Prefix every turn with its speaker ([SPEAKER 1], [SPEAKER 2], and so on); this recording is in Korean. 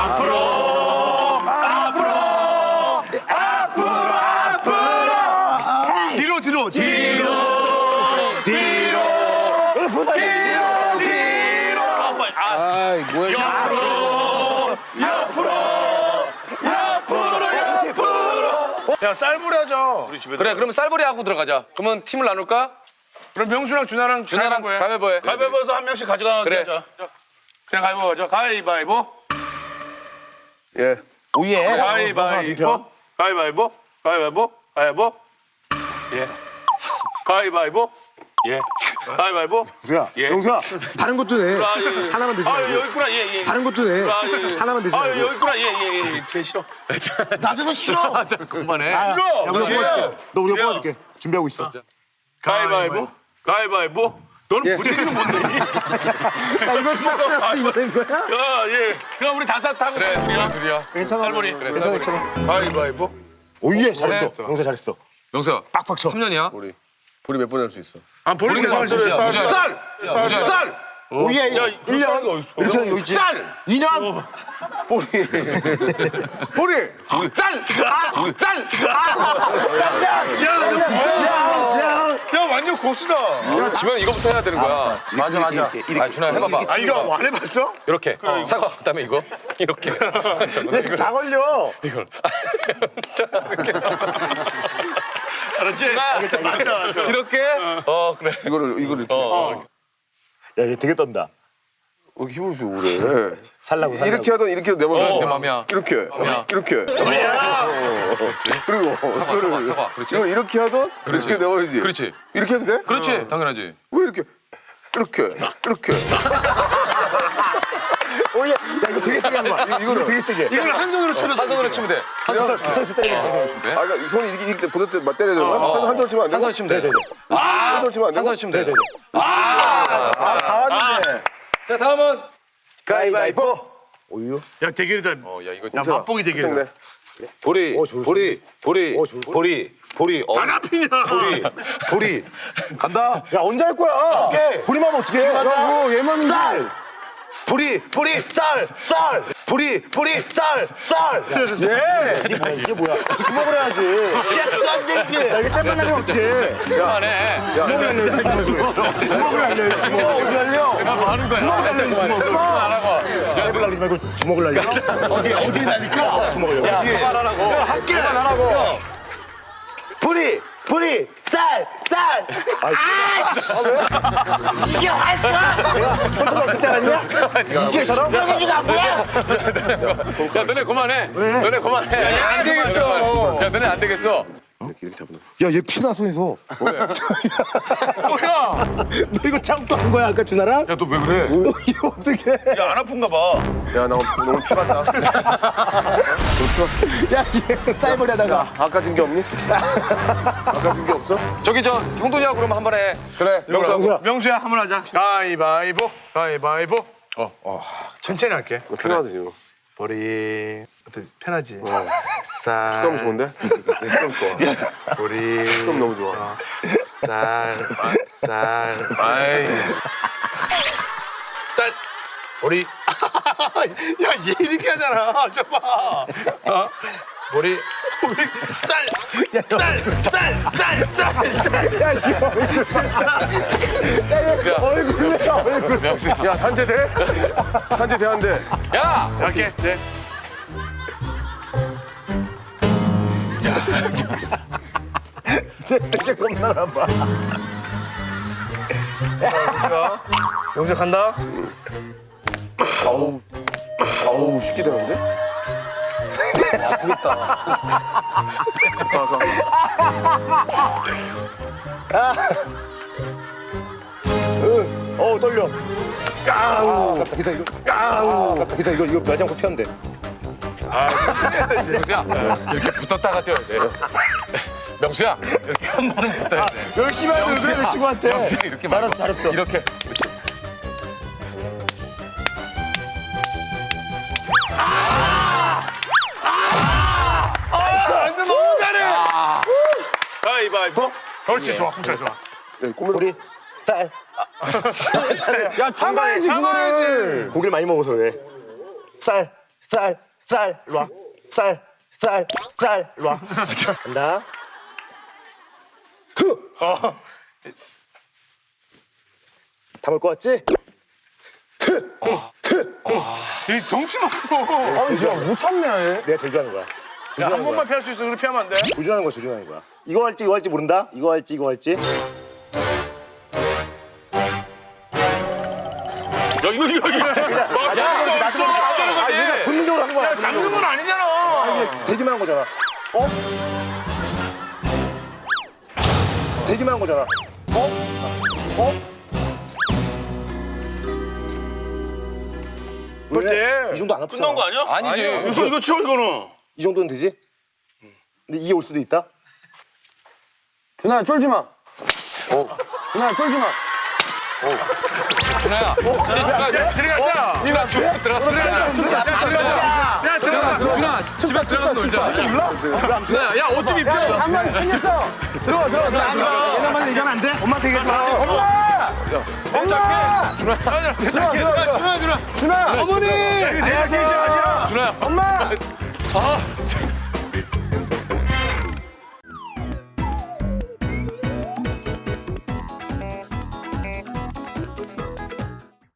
[SPEAKER 1] 아이 뭐야?
[SPEAKER 2] 야, 쌀불이 하자.
[SPEAKER 3] 그래, 그러면 쌀벌이 하고 들어가자. 그러면 팀을 나눌까?
[SPEAKER 2] 그럼 명수랑 준하랑
[SPEAKER 3] 준하랑
[SPEAKER 2] 가위바위보 해.
[SPEAKER 3] 가위바위보 해.
[SPEAKER 2] 가위바위보에서 한 명씩 가져가게
[SPEAKER 3] 그래.
[SPEAKER 2] 하자. 그냥 가위바위보 하자. 가위바위보.
[SPEAKER 1] 예.
[SPEAKER 4] 오예.
[SPEAKER 2] 가위바위보. 가위바위보. 가위바위보. 가위바위보. 예. 가위바위보. 예. 가위바위보.
[SPEAKER 4] 영수야.
[SPEAKER 2] 예.
[SPEAKER 4] 영수야. 다른 것도 내.
[SPEAKER 2] 아, 예, 예.
[SPEAKER 4] 하나만 되지
[SPEAKER 2] 아,
[SPEAKER 4] 말고.
[SPEAKER 2] 여기 있구나. 예, 예.
[SPEAKER 4] 다른 것도 내.
[SPEAKER 2] 아, 예, 예.
[SPEAKER 4] 하나만 되지
[SPEAKER 2] 아,
[SPEAKER 4] 말고.
[SPEAKER 2] 여기 있구나. 예, 예, 예. 제일 싫어.
[SPEAKER 4] 나도 싫어.
[SPEAKER 3] 그만해.
[SPEAKER 4] 야, 우리가
[SPEAKER 2] 예.
[SPEAKER 4] 뽑아줄게. 너 우리가
[SPEAKER 2] 야.
[SPEAKER 4] 뽑아줄게. 준비하고 있어.
[SPEAKER 2] 가위바위보. 가위바위보. 너는 부재기는 뭔데?
[SPEAKER 4] 야, 이거 스타트한테 이거 낸 거야?
[SPEAKER 2] 야, 예. 그럼 우리 다섯 하고
[SPEAKER 3] 그래, 둘이야.
[SPEAKER 4] 괜찮아.
[SPEAKER 2] 쌀머리. 그래,
[SPEAKER 4] 괜찮아, 괜찮아.
[SPEAKER 2] 가위바위보.
[SPEAKER 4] 오예, 잘했어.
[SPEAKER 2] 그래.
[SPEAKER 4] 영수 잘했어.
[SPEAKER 3] 영수야,
[SPEAKER 4] 빡빡 쳐.
[SPEAKER 3] 3년이야?
[SPEAKER 1] 우리 몇 번 할 수 있어?
[SPEAKER 2] 아, 본인
[SPEAKER 3] 우리는
[SPEAKER 2] 계산
[SPEAKER 3] 무지야,
[SPEAKER 2] 쌀.
[SPEAKER 3] 무지야.
[SPEAKER 2] 쌀. 쌀.
[SPEAKER 4] 오예,
[SPEAKER 2] 야,
[SPEAKER 4] 1년.
[SPEAKER 2] 그렇게 하는 게 어딨어?
[SPEAKER 4] 이렇게 하는 거 있지.
[SPEAKER 2] 쌀.
[SPEAKER 4] 2년.
[SPEAKER 1] 보리.
[SPEAKER 2] 쌀. 쌀. 야, 완전 고수다.
[SPEAKER 3] 지면 이거부터 해야 되는 거야.
[SPEAKER 4] 맞아, 맞아.
[SPEAKER 3] 아, 준아 해봐봐.
[SPEAKER 2] 아, 이거 안 해봤어?
[SPEAKER 3] 이렇게. 사과 그다음에 이거. 이렇게.
[SPEAKER 4] 이거 다 걸려.
[SPEAKER 3] 이걸.
[SPEAKER 2] 알았지? 맞다, 맞다.
[SPEAKER 3] 이렇게. 그래.
[SPEAKER 1] 이거를 이렇게.
[SPEAKER 4] 야, 얘 되게 떤다.
[SPEAKER 1] 왜 힘을 주고 그래?
[SPEAKER 4] 살라고.
[SPEAKER 1] 이렇게 하던 이렇게 해도 내 맘이야.
[SPEAKER 3] 내 맘이야.
[SPEAKER 1] 이렇게.
[SPEAKER 3] 맘이야.
[SPEAKER 1] 이렇게. 그리고
[SPEAKER 3] 사과. 그렇지.
[SPEAKER 1] 이걸 이렇게 하던 이렇게 내워야지.
[SPEAKER 3] 그렇지.
[SPEAKER 1] 이렇게 해도 돼?
[SPEAKER 3] 그렇지. 당연하지.
[SPEAKER 1] 왜 이렇게? 이렇게.
[SPEAKER 4] 오예. 야, 이거 되게 세게 한 거야. 이거 되게 세게.
[SPEAKER 2] 이걸 한 손으로 쳐도
[SPEAKER 3] 한 손으로 치면 돼.
[SPEAKER 4] 붙어서 때리는 거야.
[SPEAKER 1] 아, 그러니까 손이 이렇게 보낼 때 때려야 되는 거야? 한 손 치면 안 돼?
[SPEAKER 3] 한 손에 치면 돼.
[SPEAKER 1] 한 손 치면 안 돼?
[SPEAKER 3] 한 손에 치면 돼.
[SPEAKER 4] 다 왔는데.
[SPEAKER 3] 자, 다음은.
[SPEAKER 4] 가위바위보. 오유.
[SPEAKER 2] 야, 대결이다.
[SPEAKER 3] 야, 이거.
[SPEAKER 2] 야, 맛보기 대결이다.
[SPEAKER 1] 네.
[SPEAKER 5] 보리, 보리, 보리,
[SPEAKER 2] 안 앞이냐?
[SPEAKER 5] 보리.
[SPEAKER 4] 간다. 야, 언제 할 거야? 부리만 하면 어떡해? 야, 뭐 얘만 쌀.
[SPEAKER 5] 보리, 쌀. 보리, 쌀.
[SPEAKER 4] 예. 이게 뭐야? 주먹을 해야지. 야, 이게 땜만 나면 어떡해?
[SPEAKER 3] 그만해.
[SPEAKER 4] 주먹을 날려. 주먹을 날려. 주먹 어디 날려?
[SPEAKER 3] 뭐 하는 거야? 그만하라고.
[SPEAKER 4] 땜을 날리지 말고 주먹을 날려. 어디 날릴까? 주먹을 날려.
[SPEAKER 3] 그만하라고.
[SPEAKER 4] 할게. 그만하라고.
[SPEAKER 5] 보리, 쌀.
[SPEAKER 4] 이게 할 거야? 내가 천도가 그때 아니야? 이게 저런 거지가 뭐야?
[SPEAKER 3] 야, 너네 그만해. 너네 그만해.
[SPEAKER 2] 안 되겠어.
[SPEAKER 3] 야, 너네 안 되겠어.
[SPEAKER 1] 이렇게 잡는
[SPEAKER 4] 야, 얘 피나 손에서.
[SPEAKER 2] 뭐야?
[SPEAKER 4] 너 이거 참고 한 거야, 아까 준하랑?
[SPEAKER 3] 야, 너 왜 그래?
[SPEAKER 4] 이거 어떻게?
[SPEAKER 2] 야, 안 아픈가 봐.
[SPEAKER 1] 야, 나 너무 피봤다. 너무 피봤어.
[SPEAKER 4] 야, 얘 쌀머리 하다가.
[SPEAKER 1] 아까 진 게 없니? 아까 진 게 없어?
[SPEAKER 3] 저기 형돈이하고 그러면 한 번 해.
[SPEAKER 1] 그래.
[SPEAKER 4] 명수야.
[SPEAKER 2] 명수야, 한번 하자. 가위바위보. 천천히 할게.
[SPEAKER 1] 편하지 지금.
[SPEAKER 2] 보리. 어때? 편하지?
[SPEAKER 1] 식감 좋은데? 식감 좋아.
[SPEAKER 2] 보리.
[SPEAKER 1] 식감 너무 좋아.
[SPEAKER 2] 쌀.
[SPEAKER 3] 아이.
[SPEAKER 2] 쌀. 보리. 야, 얘 이렇게 하잖아. 저 봐. 보리. 쌀.
[SPEAKER 4] 얼굴 내 얼굴.
[SPEAKER 1] 야, 산재 돼? 산재 돼한대.
[SPEAKER 3] 야!
[SPEAKER 2] 할게. 네.
[SPEAKER 4] 되게 겁나나 봐.
[SPEAKER 2] 영수 간다.
[SPEAKER 1] 아우, 쉽게 되는데? 아프겠다.
[SPEAKER 4] 떨려. 아우. 기다 이거. 아우. 기다 이거 매장코 피한대.
[SPEAKER 3] 명수야, 이렇게 붙었다가 뛰어야 돼. 명수야, 이렇게 한 번은 붙어야 돼.
[SPEAKER 4] 열심히 하는 그래 내 친구한테.
[SPEAKER 3] 명수야, 이렇게 말고.
[SPEAKER 4] 잘했어.
[SPEAKER 3] 이렇게.
[SPEAKER 2] 완전 너무 잘해. 가위바위보. 그렇지, 좋아. 잘 좋아.
[SPEAKER 4] 우리 쌀. 야, 참아야지 그거를. 고기를 많이 먹어서 그래. 쌀. 쌀, 일로 와. 쌀, 일로 와. 간다. 담을 것 같지?
[SPEAKER 2] 이 덩치 많고.
[SPEAKER 4] 못 참네. 내가 제일 좋아하는 거야.
[SPEAKER 2] 야, 한
[SPEAKER 4] 조준하는
[SPEAKER 2] 번만
[SPEAKER 4] 거야.
[SPEAKER 2] 피할 수 있어. 그렇게 피하면 안 돼.
[SPEAKER 4] 조준하는 거야, 조준하는 거야. 이거 할지 모른다? 이거 할지.
[SPEAKER 3] 야, 이거. 야, 없어. 안 되는
[SPEAKER 4] 아, 얘가
[SPEAKER 3] 거지.
[SPEAKER 4] 본능적으로 하는 거야.
[SPEAKER 2] 야, 잡는 건 아니잖아.
[SPEAKER 4] 되기만 한 거잖아. 되기만 한 거잖아. 왜?
[SPEAKER 2] 그렇지.
[SPEAKER 4] 이 정도 안 아프잖아.
[SPEAKER 2] 끝난 거 아니야?
[SPEAKER 3] 아니지.
[SPEAKER 2] 이거 치워, 이거는.
[SPEAKER 4] 이 정도는 되지? 근데 이게 올 수도 있다?
[SPEAKER 1] 준아 쫄지 마. 준아 쫄지 마.
[SPEAKER 3] 준아야.
[SPEAKER 2] 들어가자.
[SPEAKER 3] 준아, 집에 들어갔어.
[SPEAKER 2] 야, 들어가.
[SPEAKER 3] 준아, 집에 들어가서 놀자. 준아야, 야, 옷 좀 입혀.
[SPEAKER 1] 한마디 챙겼어. 들어가.
[SPEAKER 4] 얘나만 얘기하면 안 돼? 엄마한테 얘기하지 마.
[SPEAKER 1] 준아. 어머니.
[SPEAKER 2] 안녕하세요.
[SPEAKER 3] 준아야.
[SPEAKER 1] 엄마.
[SPEAKER 3] 아,